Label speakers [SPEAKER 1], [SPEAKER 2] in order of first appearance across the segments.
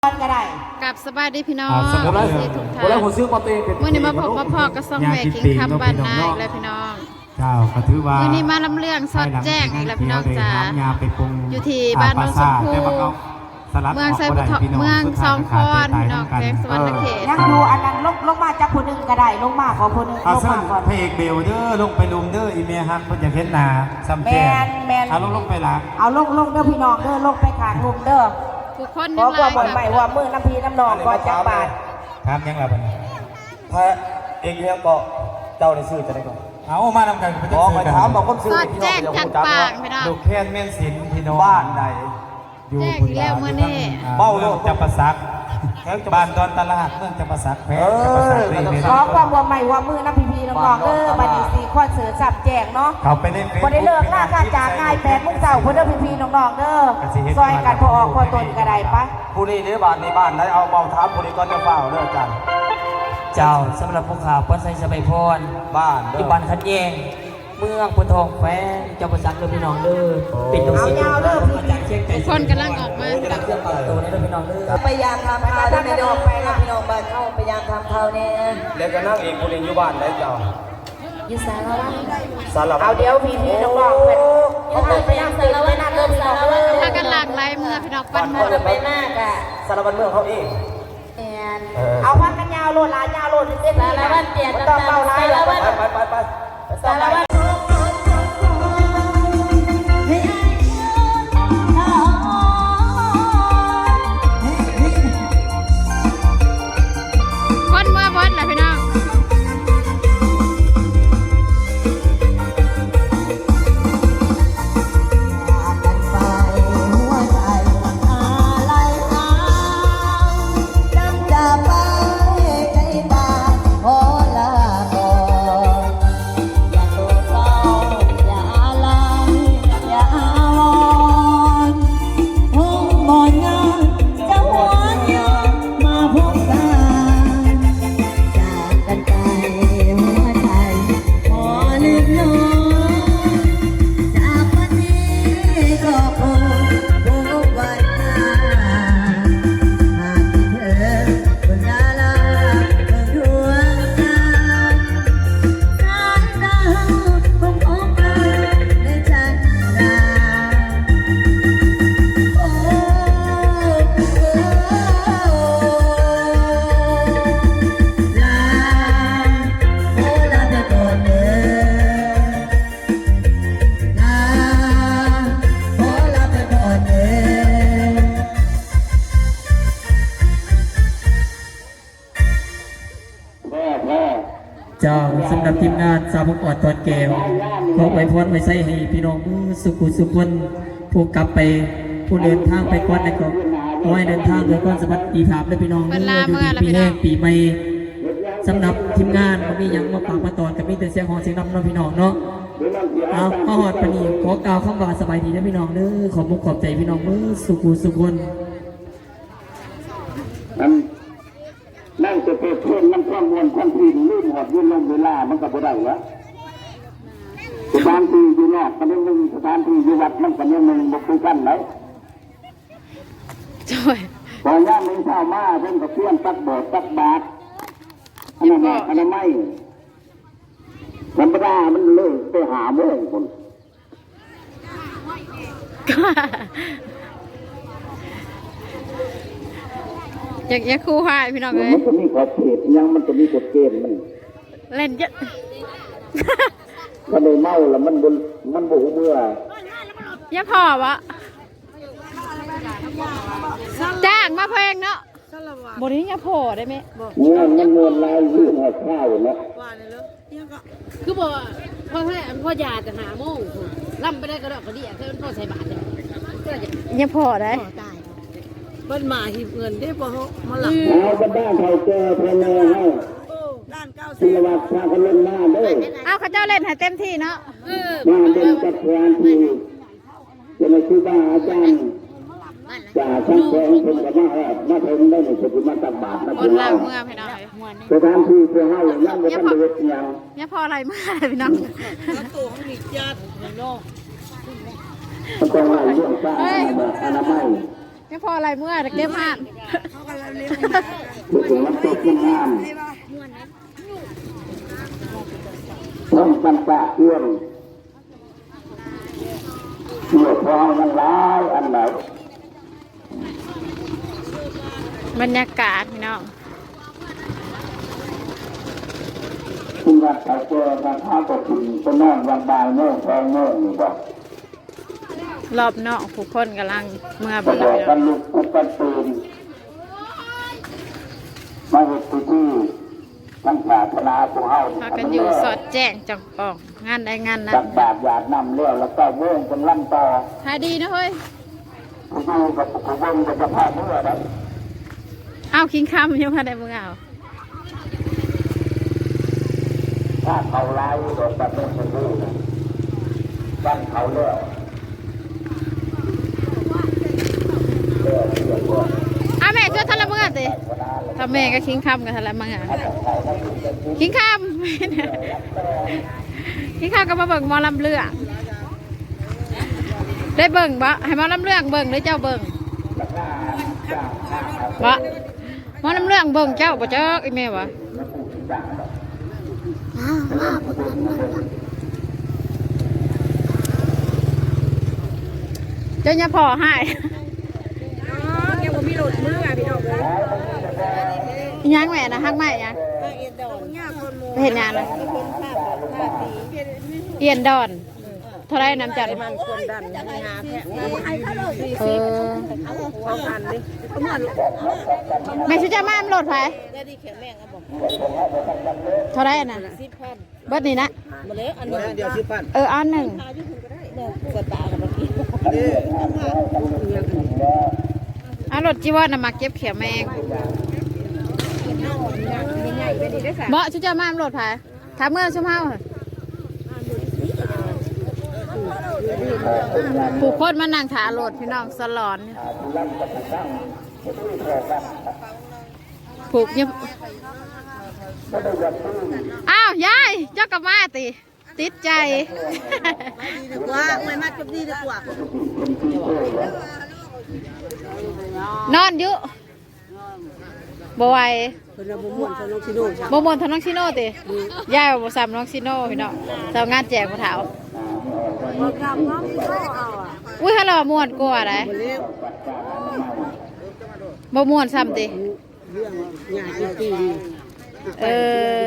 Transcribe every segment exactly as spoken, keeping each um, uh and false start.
[SPEAKER 1] ก็ได้
[SPEAKER 2] กับสบายดีพี่น้อง
[SPEAKER 3] สมมติว่า
[SPEAKER 2] ทุกท่าน
[SPEAKER 3] เวลาผมซื้อปาเต้เป็น
[SPEAKER 2] มื่อนี้มาพบมาพอกับซองแม่กินคำบ้านนาอีกแล้วพี่น้อง
[SPEAKER 3] เจ้าก็ถือว่า
[SPEAKER 2] มื่อนี้มาลำเรื่องสอดแจ้งอีกแล้วพี่น้องจ๋า
[SPEAKER 3] ยาไปปรุง
[SPEAKER 2] อยู่ที่บ้านโนนชมพูเมืองไซบุตรเมืองสองคอนพี่น้องแขวงสวรรณเขต
[SPEAKER 1] ยังดูอันนั้นลงลงมาจากคนหนึ่งก็ได้ลงมาขอคนหนึ่งล
[SPEAKER 3] เอา
[SPEAKER 1] ง
[SPEAKER 3] เส้
[SPEAKER 1] มาน ก่อน
[SPEAKER 3] พระเอกเบลเด้อลงไปลุมเด้ออีเมียฮักเพิ่นอยากเห็นหน้าซ้ำแก่เอาลงลงไปละ
[SPEAKER 1] เอาลงลงเด้อพี่น้องเด้อลงไปขางลุมเด้อ
[SPEAKER 2] ทุกคน
[SPEAKER 1] ขอความบอกใหม่ว่ามือน้ำพีน้ำนองก่อนจากบาท
[SPEAKER 3] ครับยังล่ะบัดนี้
[SPEAKER 4] พระเอกเลี้ยงก็เจ้าในซื้อจะได้ก่อน
[SPEAKER 3] เอามานำกันไป
[SPEAKER 4] ขอไปถามบอกคนซื้อ
[SPEAKER 2] สอด
[SPEAKER 4] พี่น้
[SPEAKER 2] แจ้
[SPEAKER 4] อง
[SPEAKER 2] ง
[SPEAKER 4] เดี๋ยว
[SPEAKER 2] จั
[SPEAKER 4] ผ
[SPEAKER 2] ด
[SPEAKER 4] มจับ
[SPEAKER 2] ปาก
[SPEAKER 4] ว่า
[SPEAKER 2] พี่น้อง
[SPEAKER 3] ลูกแค้นแม่นศิลป์พี่น้อง
[SPEAKER 4] บ้านใด
[SPEAKER 3] อยู่
[SPEAKER 2] แจ้งอีกแล้วมื้อนี้
[SPEAKER 3] เบ้าโลกจับประสักบ้านดอนตลาดเมืองจับประสักแพ้จับประสักเลย
[SPEAKER 1] ขอความบอกใหม่ว่ามือน้ำพีพีน้ำนองเด้อบัดนี้สี่ข้อเสือสับแจกเนาะ
[SPEAKER 3] เขาไปเล่น
[SPEAKER 1] พอได้เลิกล่าการจากง่ายแปดมุกเสาคนเด้อพีพีน้องๆเด้อซอยกันพอออกพอตนก็ได้ปะ
[SPEAKER 4] ผู้นี้ในบ้านในบ้านได้เอาเบาถามผู้นี้ก็จะเฝ้าเด้ออาจารย์
[SPEAKER 5] เจ้าสำหรับพวกข่าววัดไซสบายพร
[SPEAKER 4] บ้าน
[SPEAKER 5] ปัจ
[SPEAKER 4] เด้
[SPEAKER 5] จุ
[SPEAKER 4] อ
[SPEAKER 5] บันขัดแย้งเมืองพุททองแฝงเจ้าประสักเด้อพี่น้องเด้อปิดตรงสีอาจารย์เชียงใจ
[SPEAKER 2] ทุกคนกำลังออกมา
[SPEAKER 5] จะรับเครื่องปรับตัวนี้เด้อพี่น้องเด้อ
[SPEAKER 6] พยายามทำข่าวด้วยไม่ได้ออกไปนะพี่น้องบ้านเข้าพยายามทำข่าวเนี่ย
[SPEAKER 4] แล้วก็นั่งเอกผู้นี้อยู่บ้านได้เจ้า
[SPEAKER 6] อยู่สารวัตร
[SPEAKER 4] สารพั
[SPEAKER 1] เอา
[SPEAKER 4] ด
[SPEAKER 1] เดี๋ยวพีพีน้องๆเป็นเขาเคยไปนั่งตื่นไปนั่งเด้อพี่น้องเด้อ
[SPEAKER 2] ถ้ากันหลากหลายเมื่อพี่น้องปั้น
[SPEAKER 6] พอจะไปมากอ่ะ
[SPEAKER 4] สารพัดเมืองเขาเอง
[SPEAKER 6] แอน
[SPEAKER 1] เอาพันกันยาวโลดหลานยาวโลดเต้น
[SPEAKER 6] สารวัตรเตีย
[SPEAKER 1] ต้องเบาไล่
[SPEAKER 6] สารวัตร
[SPEAKER 4] ไปไปไป
[SPEAKER 6] สารวัตร
[SPEAKER 2] คนเมื่อบดแหละพี่น้อง
[SPEAKER 5] เจ้าสำหรับทีมงานสาวพกอดตอนแก้วขอไปพรไว้ใส่ให้พี่น้องสุขุสุขคนผู้กลับไปผู้เดินทางไปก่อนนะก็ขอให้เดินทางโดยความสวัสดีภาพและพี่น้องอยู่ดีปีแห้งปีใหม่สำหรับทีมงานก็มีอย่างมาปากมาตอนกับมีแต่เสียงหอเสียงนำน้องพี่น้องเนาะเอาข้อหอดปนีขอกล่าวคำว่าสบายดีนะพี่น้องเด้อขอมุกขอบใจพี่น้องมือสุขุสุขคน
[SPEAKER 7] นั่งจะเปิดเพื่อนนั่งความมวลความทีลืมหอดยืนลงเวลามันก็บ่ได้วะสถานที่อยู่นอกกันยังสถานที่อยู่วัดมันกันยังมันบ่คือกันไหน
[SPEAKER 2] ช่วย
[SPEAKER 7] พอย่ามมึงเข้ามาเพิ่นก็เพื่อนตักโบสถ์ตักบาตรอันนั้นอันนั้นไม่ธรรมดามันเลิกไปหาโมงคน
[SPEAKER 2] อยากอยากคู่หายพี่น้องเลย
[SPEAKER 7] มันก็มีขอบเขตยังมันก็มีกฎเกณฑ์มัน
[SPEAKER 2] เล่นเยอะ
[SPEAKER 7] ถ้าได้เมาแล้วมันบ่มันบ่เมื่อ
[SPEAKER 2] อย่าพอวะจ้างมาเพลงเนาะบนี้อย่าพอได้ไหม
[SPEAKER 7] เงินมันเงินลายยื่นหอดข้าวนะ
[SPEAKER 8] คือบอกพ่อให้พ่อยาจะหาโมงล่ำไปได้ก็ดอกกระเดี่ยเพื่อนพ่อใส่บาทเลย
[SPEAKER 2] อย่าพอได้
[SPEAKER 8] ตายเพิ่นมาหิบเงินได้พอเขามาหลับ
[SPEAKER 7] เอาก็บ้านเขาเจอพนักให้ศิลวัตพากันเล่นหน้าเด้อ
[SPEAKER 2] เอาเขาเจ้าเล่นให้เต็มที่เนาะ
[SPEAKER 7] มาเด่นจัดงานที่จะมาคือบ้าอาจารย์จ่าช่างแสงเป็นกับมาแอบมาเพิ่งได้ในสุดมาตักบาตรนะ
[SPEAKER 2] บ
[SPEAKER 7] พี่
[SPEAKER 2] น
[SPEAKER 7] น้
[SPEAKER 2] ล่า
[SPEAKER 7] อง
[SPEAKER 2] งเมื่อพี่น้อง
[SPEAKER 7] สถานที่เพื่อให้ยังไม่ทันได้เวทยัง
[SPEAKER 2] อย่าพออะไรเมื่อพี่น้อง
[SPEAKER 8] ตัวของมีญาติในนอก
[SPEAKER 7] มันต้องให้เรื่องสร้างอนามัย
[SPEAKER 8] ไม่พออะไรเมื่อเก็บมาก
[SPEAKER 7] ผู้เสียงตกขึ้นงามต้องปันปะเอื้อมเมื่อพอมันร้ายอันไหน
[SPEAKER 8] บรรยากาศพี่น้อง
[SPEAKER 7] คุณวัดเขาเจอมาท้าตกถึงก็นอนวันบ่ายโมงสองโมงนี่บอก
[SPEAKER 8] รอบนอกผู้คนกำลังเมื่อไป
[SPEAKER 7] ก็บ
[SPEAKER 8] เล
[SPEAKER 7] อก
[SPEAKER 8] ย
[SPEAKER 7] กันลุกกันกันตื่นมาเหตุที่ตั้งปรารถนาผู้เฮา
[SPEAKER 8] พากันอยู่สอดแจ้งจังออกงานใดงานนั้น
[SPEAKER 7] ตักบาตรหยาดน้ำเลี้ยวแล้วก็เว้งเป็นลั่นต่อ
[SPEAKER 8] ทายดีนะเฮ้ย
[SPEAKER 7] ผู้อยู่กับผู้เว้งกับสภาพเมื่อนั้น
[SPEAKER 8] เอาคิงคำยังมาได้มึงเอา
[SPEAKER 7] ถ้าเขาไล่โดนตัดต้นชมพู่นะวันเขาเลี้ยวเลี้ยวเลี้ยวว่า
[SPEAKER 8] อาแม่ช่วยทะเลมึงอ่ะติถ้าแม่ก็คิงคำกับทะเลมึงอ่ะคิงคำ คิงคำก็มาเบิ่งหมอลำเลือกได้เบิ่งบ่ให้หมอลำเลือกเบิ่งหรือเจ้าเบิ่งบ่หมอลำเลือกเบิ่งเจ้าบ่เจ้าไอ้แม่วะเจ้าอย่าพอให้ยังแม่นะฮักใหม่ยังเห็นงานเลยเอียนดอนเท่าไรน้ำจัดมันคนดันเออแม่ชุจ้ามามันโหลดไฟเท่าไรน่ะเบิดนี่นะเอออันหนึ่งอันรถจีวรนำมาเก็บเขียวแมงเบาชุจ้ามามันโหลดไฟถามเมื่อชุ่มเฮาผู้คนมานั่งขาโหลดพี่น้องสลอนผูกยังอ้าวยายเจ้ากับมาติติดใจว่าไม่มากับดีดีกว่านอนอยู่บ่ไหวบ่มวนทางน้องชิโน่ติยายบ่ซ้ำน้องชิโน่พี่น้องเจ้างานแจกผู้เฒ่าอุ้ยฮัลโหลม่วนกว่าได้บ่ม่วนซ้ำติเออ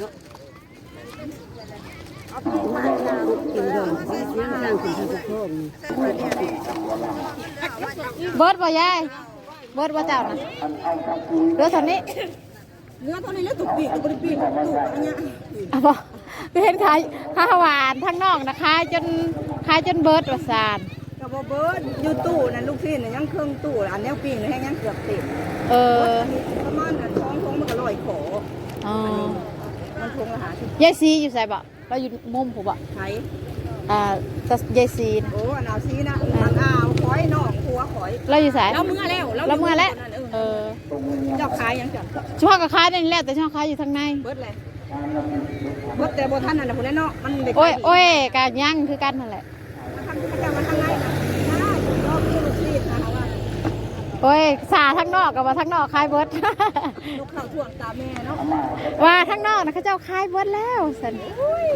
[SPEAKER 8] เบิร์ดบ่ยายเบิร์ดบ่เจ้านะเรือเท่านี้เรือเท่านี้แล้วตุกปีกตุกปีกตุกอันเนี้ยอ่ะบ่ก็เห็นขายข้าวหวานทั้งนอกนะขายจนขายจนเบิร์ดว่าซาน
[SPEAKER 6] กับเบิร์ดอยู่ตู้นั่นลูกพี่เนี่ยยังเครื่องตู้อันนี้ปีนให้ยังเกือบติด
[SPEAKER 8] เออ
[SPEAKER 6] ประมาณนั้นท้องท้องมันก็ลอยขอ
[SPEAKER 8] อ๋อ
[SPEAKER 6] มันทงอาหาร
[SPEAKER 8] ยายซีอยู่ใส่บ่เราอยู่มุมผมบ่
[SPEAKER 6] ไทย
[SPEAKER 8] อ่ายายซี
[SPEAKER 6] โอ้อันเอาซีนะมันเอาคอยนอกหัวคอย
[SPEAKER 8] เราอยู่ใส่
[SPEAKER 6] เราเมื่อแล้ว
[SPEAKER 8] เราเมื่อแล้วเออ
[SPEAKER 6] เจ้าขายยังจับ
[SPEAKER 8] ช่วงก็ขายนี่แหละแต่ช่วงขายอยู่ทางใน
[SPEAKER 6] เบิร์ดเลยเบิร์ดแต่บ่ท่านนั่นแหละคนนั้นเนาะมันเด็ก
[SPEAKER 8] โอ้ยโอ้ยการย่างคือกันนั่นแหละโอ้ยสาทั้งนอกกับว่าทั้งนอกคายเบิร์ด
[SPEAKER 6] ลูกข้าวช่วงตาแม่เนาะ
[SPEAKER 8] ว่าทั้งนอกนะเขาเจ้าคายเบิร์ดแล้วสัน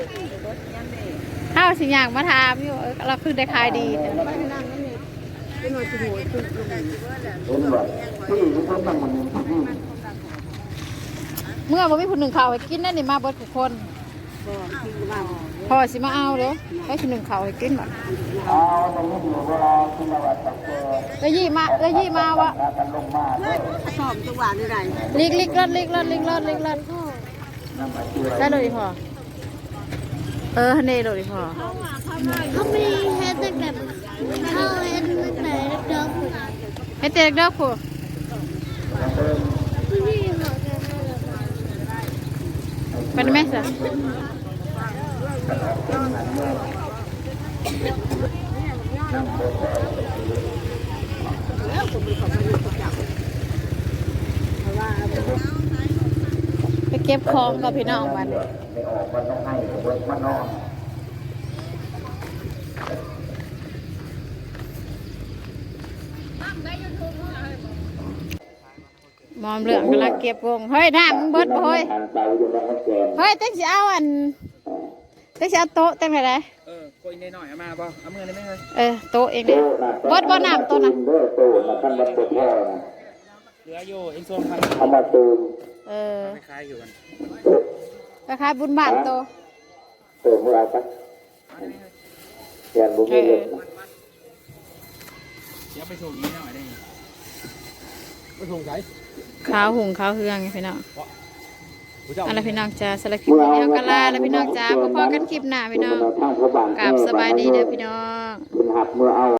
[SPEAKER 8] ข้าวสิ่งอย่างมาทำอยู่เราคือได้คายดีเมื่อวันมีผู้หนึ่งข่าวให้กินนั่นนี่มาเบิร์ดทุกคนพอสิมาเอาเด้อให้คนหนึ่งข่าวให้กินหมดก็ยี่มาก็ยี่มาวะ
[SPEAKER 6] สอบจังหวะนี่ไร
[SPEAKER 8] ลิกลิกรถลิกรถลิกรถลิกรถได้เลยพอเออเนเลยพอ
[SPEAKER 9] เขามีเฮดตั้งแต่เขาเฮดตั้งแต่เด็ก
[SPEAKER 8] เฮดเด็กเด็กผู้เป็นไหมสิไปเก็บของกับพี่น้องมันหมอมเหลืองกำลังเก็บวงเฮ้ยน้ำมึงเบิดบ่เฮ้ยเฮ้ยเต้งสิเอาอันเต้งสิเอาโต๊ะเต้งไหนได้เออโกยนิดหน่อยเอามาบ่เอามือได้ไหมเฮ้ยเออโต๊ะเองเนี่ยเบิดบ่น้ำโต๊ะนะเหลืออยู่เองส่วนพันเอามาตูมเออคล้ายอยู่กันคล้ายบุญบาทโตเติมอะไรปะเรียนบุญเลยเดี๋ยวไปส่งนี้หน่อยได้ไปส่งไหนข้าวหุงข้าวเฮืองพี่น้องอะไรพี่น้องจ้าสลักคลิปนี้เอากะลาแล้วพี่น้องจ้าพอๆกันคลิปหน้าพี่น้องกราบสบายดีเด้อพี่น้อง